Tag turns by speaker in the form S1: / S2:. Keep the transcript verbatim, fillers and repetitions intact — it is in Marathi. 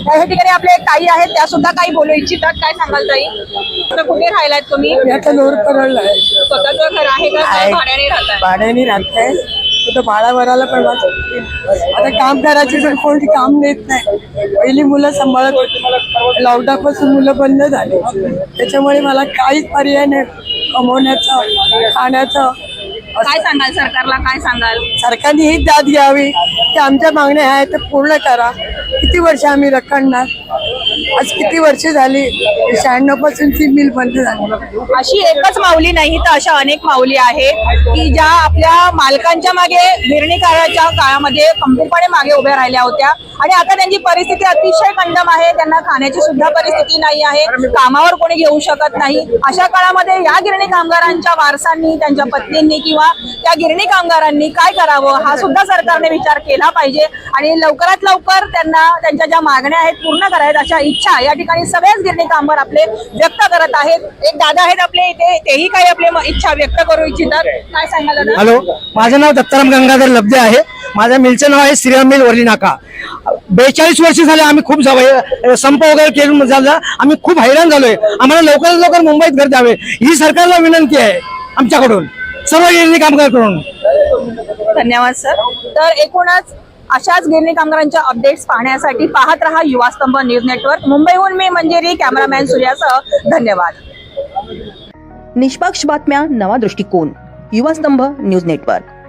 S1: या ठिकाणी आपले ताई आहेत, त्या सुद्धा काही बोलू इच्छितात. काय सांगाल ताई? आता कुठे राहिलात तुम्ही?
S2: आता लोर परळला आहे.
S1: स्वतःचं घर आहे का
S2: आहे.
S1: भाड्याने राहताय?
S2: भाड्याने राहते तर भाडा भरायला पण वाचत. आता काम करायचे तर कोणी काम देत नाही. पहिली मुलं सांभाळत होती, लॉकडाऊन पासून मुलं बंद झाले, त्याच्यामुळे मला काहीच पर्याय नाही कमवण्याचं खाण्याचं.
S1: काय सांगाल सरकारला? काय सांगाल?
S2: सरकारने ही दाद घ्यावी की आमच्या मागण्या आहेत तर पूर्ण करा. किती वर्ष आम्ही रखडणार? आज किती वर्ष झाली, शहाण्णव पासून ती मिल बंद झाली.
S1: अशी एकच माऊली नाही तर अशा अनेक माऊली आहेत की ज्या आपल्या मालकांच्या मागे गिरणी काळाच्या काळामध्ये खंबीरपणे मागे उभ्या राहिल्या होत्या आणि आता त्यांची परिस्थिती अतिशय कंडम आहे. त्यांना खाण्याची सुद्धा परिस्थिती नाही आहे, कामावर कोणी घेऊ शकत नाही. अशा काळामध्ये या गिरणी कामगारांच्या वारसांनी, त्यांच्या पत्नींनी किंवा त्या गिरणी कामगारांनी काय करावं हा सुद्धा सरकारने विचार केला पाहिजे आणि लवकरात लवकर त्यांना त्यांच्या ज्या मागण्या आहेत पूर्ण करायत अशा इच्छा या ठिकाणी सगळेच गिरणी कामगार आपले व्यक्त करत आहेत. एक दादा आहेत आपले इथे, तेही काही आपले इच्छा व्यक्त करू इच्छितात. काय सांगाल दादा?
S3: हॅलो, माझं नाव दत्ताराम गंगाधर लब्धे आहे. माझ्या मिलचं नाव आहे श्रीराम मिल वरली नाका. बेचाळीस वर्ष झाले आम्ही खूप जावं संप वगैरे केलं झाला, आम्ही खूप हैराण झालोय. आम्हाला लवकरात लवकर मुंबईत घर द्यावे ही सरकारला विनंती आहे आमच्याकडून, सर्व गिरणी कामगार करून.
S1: धन्यवाद सर. तर एकूणच अशाच गिरणी कामगारांच्या अपडेट्स पाहण्यासाठी पाहत रहा युवास्तंभ न्यूज नेटवर्क. मुंबईहून मी मंजिरी, कॅमेरामॅन सूर्यासह. धन्यवाद.
S4: निष्पक्ष बातम्या, नवा दृष्टिकोन. Yuvastambh news network.